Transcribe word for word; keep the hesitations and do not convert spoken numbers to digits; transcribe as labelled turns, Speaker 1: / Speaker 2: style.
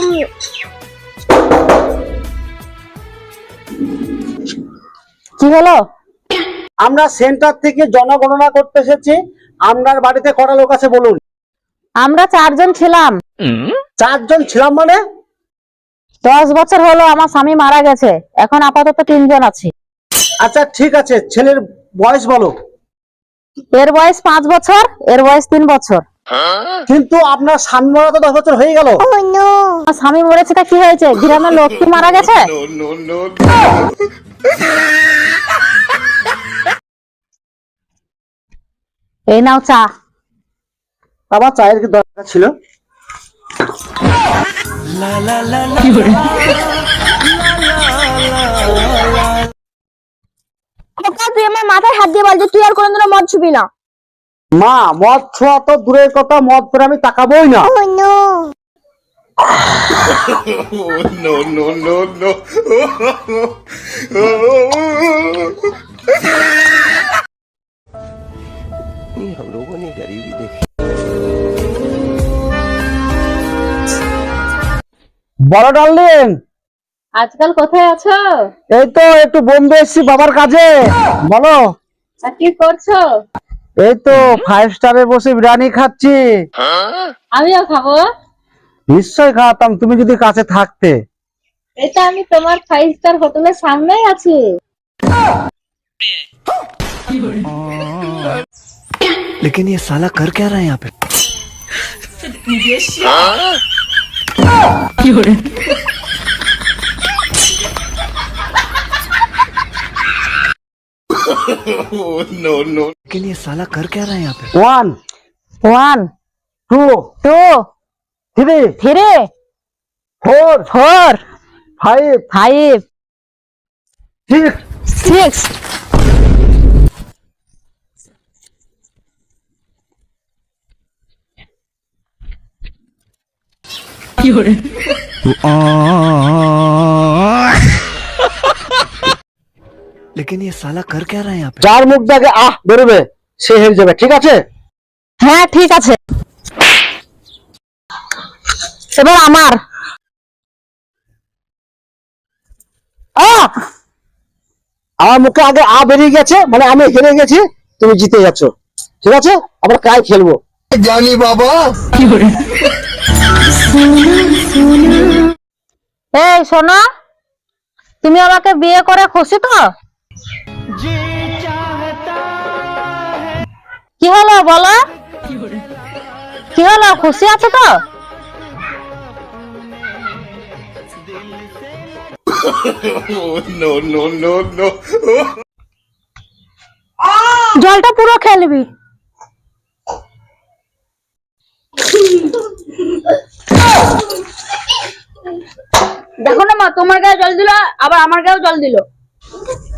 Speaker 1: কি হলো?
Speaker 2: আমরা সেন্টার থেকে জনগণনা করতে এসেছি। আপনার বাড়িতে কটা লোক আছে বলুন?
Speaker 1: আমরা চারজন ছিলাম।
Speaker 2: চারজন ছিলাম মানে?
Speaker 1: দশ বছর হলো আমার স্বামী মারা গেছে, এখন আপাতত তিনজন আছি।
Speaker 2: আচ্ছা ঠিক আছে, ছেলের বয়স বলো।
Speaker 1: এর বয়স পাঁচ বছর, এর বয়স তিন বছর।
Speaker 2: কিন্তু আপনার স্বামী মারা তো দশ বছর হয়ে গেল।
Speaker 1: আমার স্বামী মরেছে তা কি হয়েছে? গ্রামের লোক কি মারা গেছে? এই নাও চা।
Speaker 2: আবার চায়ের কি দরকার ছিল?
Speaker 1: তুই আমার মাথায় হাত দিয়ে বল যে তুই আর কোনোদিনও মদ ছুবি না।
Speaker 2: মা, মদ ছোঁয়া তো দূরের কথা, মদ করে আমি তাকাবোই না।
Speaker 3: no, no, no, no. हम लोगों ने गरीबी देखी।
Speaker 2: বড় ডার্লিং,
Speaker 1: আজকাল কোথায় আছো?
Speaker 2: এই তো একটু বোম্বে এসেছি বাবার কাজে। বলো।
Speaker 1: কি করছো?
Speaker 2: এই তো ফাইভ স্টারে বসে বিরিয়ানি খাচ্ছি।
Speaker 1: আমিও খাবো।
Speaker 2: নিশ্চয় খাওয়াতাম তুমি যদি কাছে থাকতে।
Speaker 1: এটা আমি তোমার ফাইভ স্টার হোটেলের সামনেই আছি।
Speaker 3: लेकिन ये साला कर क्या रहा है यहाँ पे? no, no. लेकिन ये साला कर क्या रहा है यहाँ पे?
Speaker 2: One
Speaker 1: one
Speaker 2: two
Speaker 1: two
Speaker 2: three
Speaker 1: three
Speaker 2: four
Speaker 1: four
Speaker 2: five
Speaker 1: five
Speaker 2: six
Speaker 1: six.
Speaker 3: लेकिन ये साला कर क्या रहा है यहाँ पे?
Speaker 2: যার মুখ দেখে আহ বেরোবে সে হেরে যাবে, ঠিক আছে?
Speaker 1: হ্যাঁ ঠিক আছে, এবার আমার।
Speaker 2: আহ! আমার মুখে আগে আ বেরিয়ে গেছে, মানে আমি হেরে গেছি, তুমি জিতে যাচ্ছ, ঠিক আছে? আবার কাই খেলবো।
Speaker 3: ज्ञानी बाबा।
Speaker 1: এই শোনো, তুমি আমাকে বিয়ে করে খুশি তো? কি হলো বলো? কি হলো, খুশি আছো তো?
Speaker 3: no, no, no, no.
Speaker 1: জলটা পুরো খেলবি। দেখো না মা, তোমার গায়ে জল দিল আবার আমার গায়েও জল দিল।